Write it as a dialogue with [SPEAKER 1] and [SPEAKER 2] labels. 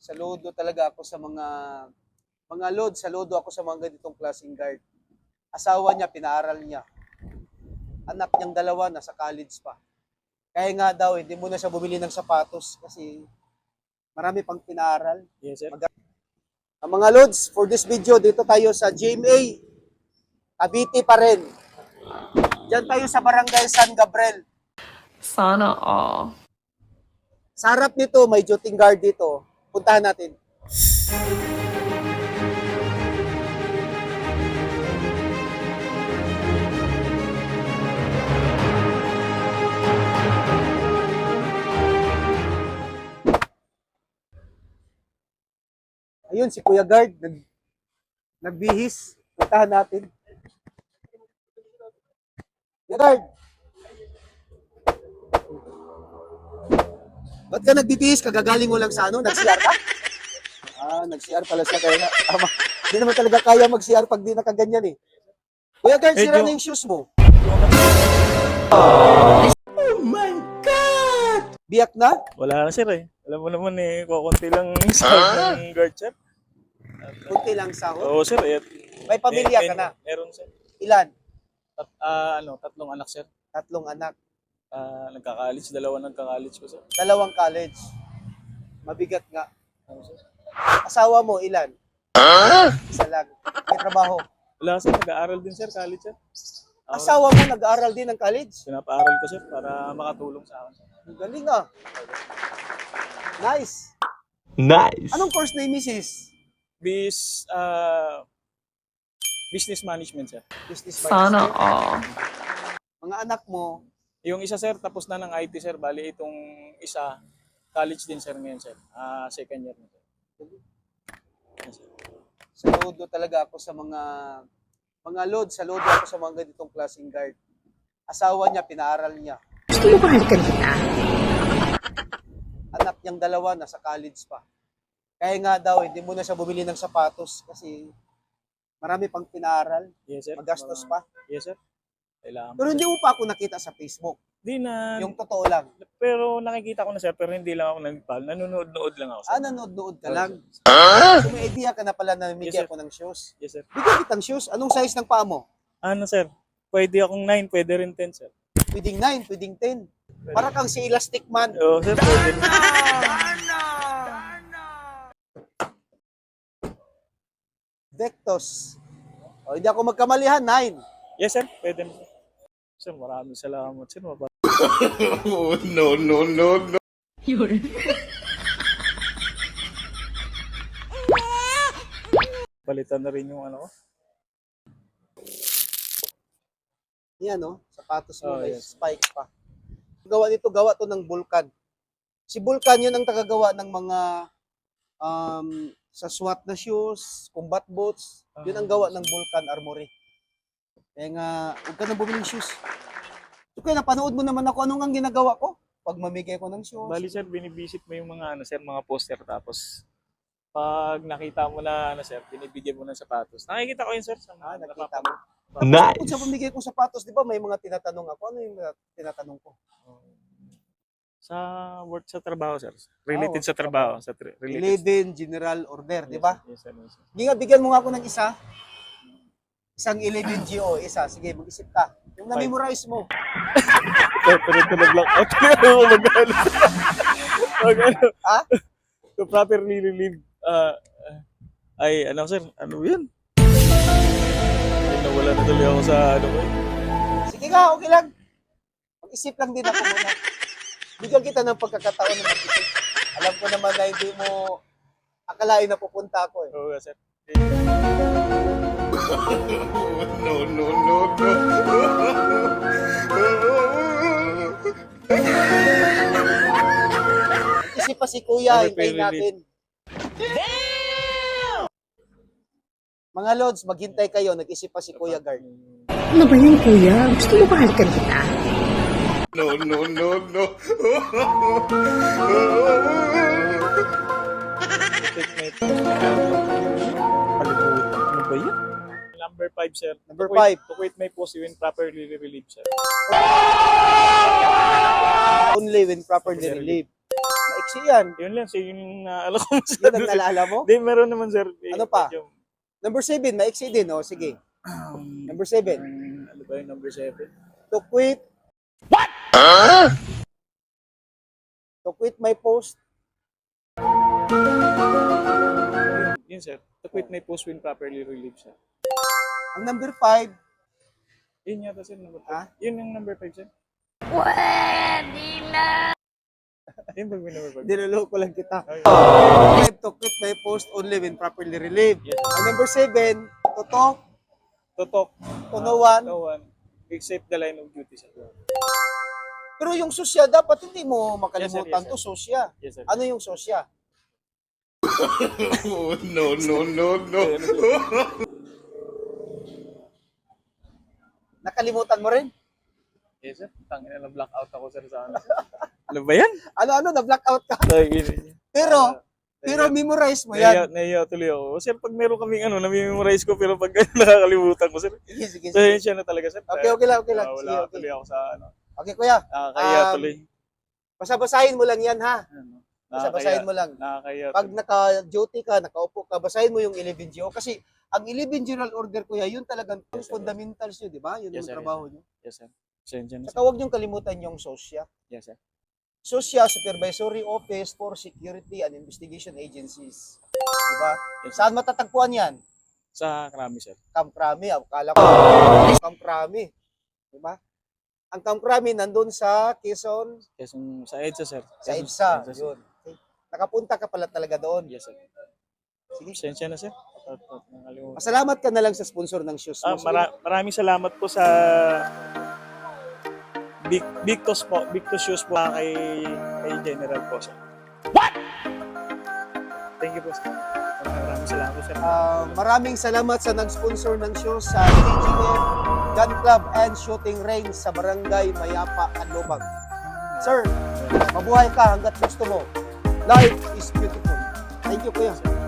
[SPEAKER 1] Saludo talaga ako sa mga load, saludo ako sa mga ganitong klaseng guard. Asawa niya, pinaaral niya. Anak niyang dalawa, nasa college pa. Kaya nga daw, hindi mo na siya bumili ng sapatos kasi marami pang pinaaral.
[SPEAKER 2] Yes, sir.
[SPEAKER 1] Ang mga loads, for this video, dito tayo sa GMA. Cavite pa rin. Diyan tayo sa Barangay San Gabriel.
[SPEAKER 3] Sana all.
[SPEAKER 1] Sa harap nito, may duty guard dito. Puntahan natin. Ayun, si Kuya Guard, nagbihis. Puntahan natin. Kuya Guard! Ba't ka nagbibihis? Kagagaling mo lang sa ano? Nag-CR ka? Nag-CR pala siya. Kaya tama. Hindi naman talaga kaya mag-CR pag di nakaganyan eh. Kuya Guard, sira na yung shoes mo. Oh my God! Biyak na?
[SPEAKER 2] Wala na, sir eh. Alam mo naman eh, kukunti lang sa ng guard, sir.
[SPEAKER 1] Kunti lang sahod.
[SPEAKER 2] Oo, sir. Eh,
[SPEAKER 1] May pamilya ka na?
[SPEAKER 2] Meron, sir.
[SPEAKER 1] Ilan?
[SPEAKER 2] Tatlong anak, sir.
[SPEAKER 1] Tatlong anak.
[SPEAKER 2] Nagka-college, dalawa nagka-college ko, sir.
[SPEAKER 1] Dalawang college. Mabigat nga.
[SPEAKER 2] Ano, sir?
[SPEAKER 1] Asawa mo, ilan? Isa lang. May trabaho.
[SPEAKER 2] Wala, sir. Nag-aaral din, sir. College, sir.
[SPEAKER 1] Asawa mo, nag-aaral din ng college?
[SPEAKER 2] Pinapaaral ko, sir, para makatulong sa akin, sir.
[SPEAKER 1] Ang galing ah. Nice.
[SPEAKER 4] Nice.
[SPEAKER 1] Anong course na yung misis?
[SPEAKER 2] Business management, sir.
[SPEAKER 1] Business
[SPEAKER 3] Sana
[SPEAKER 1] management.
[SPEAKER 3] all.
[SPEAKER 1] Mga anak mo,
[SPEAKER 2] Yung isa, sir, tapos na ng IT, sir. Bali, itong isa, college din, sir, ngayon, sir. Second year na, sir. Yes, sir.
[SPEAKER 1] saludo talaga ako sa mga load, saludo ako sa mga ganitong klaseng guard. Asawa niya, pinaaral niya.
[SPEAKER 5] Gusto mo balikan kita?
[SPEAKER 1] Anak niyang dalawa, nasa college pa. Kaya nga daw, hindi mo na siya bumili ng sapatos kasi marami pang pinaaral.
[SPEAKER 2] Yes, sir.
[SPEAKER 1] Magastos pa.
[SPEAKER 2] Yes, sir. Kailangan.
[SPEAKER 1] Pero hindi mo pa ako nakita sa Facebook.
[SPEAKER 2] Di na.
[SPEAKER 1] Yung totoo lang.
[SPEAKER 2] Pero nakikita ko na, sir, pero hindi lang ako nag-pal. Nanonood-nood lang ako, sir.
[SPEAKER 1] Nanonood ka lang. So may idea ka na pala na
[SPEAKER 2] Yes,
[SPEAKER 1] bigyan
[SPEAKER 2] sir.
[SPEAKER 1] ko ng shoes.
[SPEAKER 2] Yes, sir.
[SPEAKER 1] Bigyan kitang shoes. Anong size ng paa mo?
[SPEAKER 2] Ano, sir? Pwede akong 9, pwede rin 10, sir.
[SPEAKER 1] Pwedeng 9, pwedeng 10. Para kang si Elastic Man.
[SPEAKER 2] Oo, sir, pwede rin.
[SPEAKER 1] Vectos. O, hindi ako magkamalihan, 9.
[SPEAKER 2] Yes, sir, pwede rin. Sir, maraming salamat, sir.
[SPEAKER 4] Oh, no, no, no, no.
[SPEAKER 2] Palitan na rin yung ano ko.
[SPEAKER 1] Yan, no? Sapatos mo,
[SPEAKER 2] Oh,
[SPEAKER 1] may
[SPEAKER 2] yes.
[SPEAKER 1] spike pa. Gawa to ng Vulcan. Si Vulcan yun ang tagagawa ng mga sa SWAT na shoes, combat boots. Yun ang gawa ng Vulcan Armory. Kaya nga, huwag ka na bumili ng shoes. So, kaya napanood mo naman ako anong ang ginagawa ko pag mamigay ko ng shoes.
[SPEAKER 2] Bali, sir, binibisit mo yung mga, ano, sir, mga poster. Tapos, pag nakita mo na, ano, sir, binibigyan mo ng sapatos. Nakikita ko yun, sir. Sa mga
[SPEAKER 1] Nakita mo.
[SPEAKER 4] Nice.
[SPEAKER 1] Kung sa pamigay ko sapatos, di ba may mga tinatanong ako. Ano yung tinatanong ko?
[SPEAKER 2] Sa work sa trabaho, sir. Related
[SPEAKER 1] Oh,
[SPEAKER 2] sa trabaho. Related.
[SPEAKER 1] 11 General Order, di ba?
[SPEAKER 2] Yes, sir. Yes, sir.
[SPEAKER 1] Hindi nga, bigyan mo nga ako ng isa. Isang 11 GO, isa. Sige, mag-isip ka. Yung na-memorize mo.
[SPEAKER 2] Sir, pero tulog lang. Mag-ano. Mag-ano.
[SPEAKER 1] Ha?
[SPEAKER 2] To properly relieve. Ay, ano, sir? Ano yan? Ay, nawala na tuloy ako sa ano ko.
[SPEAKER 1] Sige nga, okay lang. Mag-isip lang din ako muna. Bigyan kita ng pagkakataon na mag-isip. Alam ko naman na hindi mo akalain na pupunta ako eh.
[SPEAKER 2] Oo, sir.
[SPEAKER 4] No, no, no, no.
[SPEAKER 1] Isip pa si Kuya,
[SPEAKER 2] Ano,
[SPEAKER 1] hintayin
[SPEAKER 2] pero
[SPEAKER 1] natin. Mga Lods, maghintay kayo. Nag-isip pa si Kuya Guard.
[SPEAKER 5] Ano ba yan, kuya? Gusto mo balikan kita?
[SPEAKER 4] No, no, no, no.
[SPEAKER 2] Ano ba yan? Number 5, sir.
[SPEAKER 1] Number
[SPEAKER 2] To quit-
[SPEAKER 1] 5.
[SPEAKER 2] To quit my post when properly relieved, sir.
[SPEAKER 1] Only when properly relieved. iksi yan.
[SPEAKER 2] Yun lang, sir, yung naalala ko
[SPEAKER 1] Yun
[SPEAKER 2] masyado.
[SPEAKER 1] ang naalala mo?
[SPEAKER 2] Hindi, meron naman, sir.
[SPEAKER 1] Ano pa?
[SPEAKER 2] Medyo,
[SPEAKER 1] Number 7, maiksi din, oh. Sige. Number 7.
[SPEAKER 2] ano ba yung number 7?
[SPEAKER 1] To quit. To quit my post.
[SPEAKER 2] Yun, sir. To quit my post when properly relieved, sir.
[SPEAKER 1] Ang number 5,
[SPEAKER 2] Yun yata, sir, number 5.
[SPEAKER 1] Ha?
[SPEAKER 2] Yun yung number 5, sir. Yun ba yung number 5?
[SPEAKER 1] niloloko lang kita.
[SPEAKER 2] Okay.
[SPEAKER 1] 5, to quit my post only when properly relieved.
[SPEAKER 2] Yes.
[SPEAKER 1] Ang number 7, to talk
[SPEAKER 2] To talk.
[SPEAKER 1] to no one.
[SPEAKER 2] No one. Except the line of duty, sir.
[SPEAKER 1] Pero yung sosya, dapat hindi mo makalimutan
[SPEAKER 2] Yes, sir.
[SPEAKER 1] to sosya.
[SPEAKER 2] Yes, sir.
[SPEAKER 1] Ano yung sosya?
[SPEAKER 4] Oh, no, no, no, no.
[SPEAKER 1] Nakalimutan mo rin?
[SPEAKER 2] Yes, sir. Tangina na blackout ako, sir, sa ano. Ano ba yan?
[SPEAKER 1] Ano, na-blackout ka.
[SPEAKER 2] Tangina.
[SPEAKER 1] Pero memorize mo yan.
[SPEAKER 2] Naiya tuloy ako. Sir, pag meron kaming ano, na-memorize ko, pero pag nakakalimutan ko, sir.
[SPEAKER 1] Sige, sige,
[SPEAKER 2] So,
[SPEAKER 1] sige.
[SPEAKER 2] yun siya na talaga, sir.
[SPEAKER 1] Okay lang, okay lang. Sige,
[SPEAKER 2] Wala
[SPEAKER 1] okay.
[SPEAKER 2] tuloy ako sa ano.
[SPEAKER 1] Okay, kuya.
[SPEAKER 2] Nakakaya tuloy.
[SPEAKER 1] Basa-basahin mo lang yan, ha?
[SPEAKER 2] Ano,
[SPEAKER 1] Basa-basahin mo lang.
[SPEAKER 2] Nakakaya.
[SPEAKER 1] Pag naka-duty ka, nakaupo ka, basahin mo yung 11GO. Kasi ang 11 General Order, kuya, yun talagang
[SPEAKER 2] Yes, sir.
[SPEAKER 1] fundamentals yun, di ba? Yun
[SPEAKER 2] Yes,
[SPEAKER 1] yung
[SPEAKER 2] sir,
[SPEAKER 1] trabaho nyo.
[SPEAKER 2] Yes, sir. Sensya na, sir.
[SPEAKER 1] Saka huwag niyong kalimutan yung SOSYA.
[SPEAKER 2] Yes, sir.
[SPEAKER 1] SOSYA, Supervisory Office for Security and Investigation Agencies. Di ba?
[SPEAKER 2] Yes, sir.
[SPEAKER 1] Saan matatagpuan yan?
[SPEAKER 2] Sa Krami, sir.
[SPEAKER 1] Camp Crami. Akala ko, Camp Crami. Di ba? Ang Camp Crami nandun sa Quezon,
[SPEAKER 2] Quezon, sa EDSA, sir.
[SPEAKER 1] sa
[SPEAKER 2] Quezon-
[SPEAKER 1] EDSA.
[SPEAKER 2] sir.
[SPEAKER 1] Yun. Okay. Nakapunta ka pala talaga doon.
[SPEAKER 2] Yes, sir.
[SPEAKER 1] Sige.
[SPEAKER 2] Sensya na, sir. Nakalimutan.
[SPEAKER 1] Pasalamat ka na lang sa sponsor ng shoes mo.
[SPEAKER 2] Maraming salamat po sa Victos po, Victos Shoes po kay General po, sir. What? Thank you po, sir. Maraming salamat po, sir.
[SPEAKER 1] Maraming salamat sa nag-sponsor ng shoes sa TGF Gun Club and Shooting Range sa Barangay Mayapa, Canlobag. Sir, mabuhay ka hanggat gusto mo. Life is beautiful. Thank you, kuya.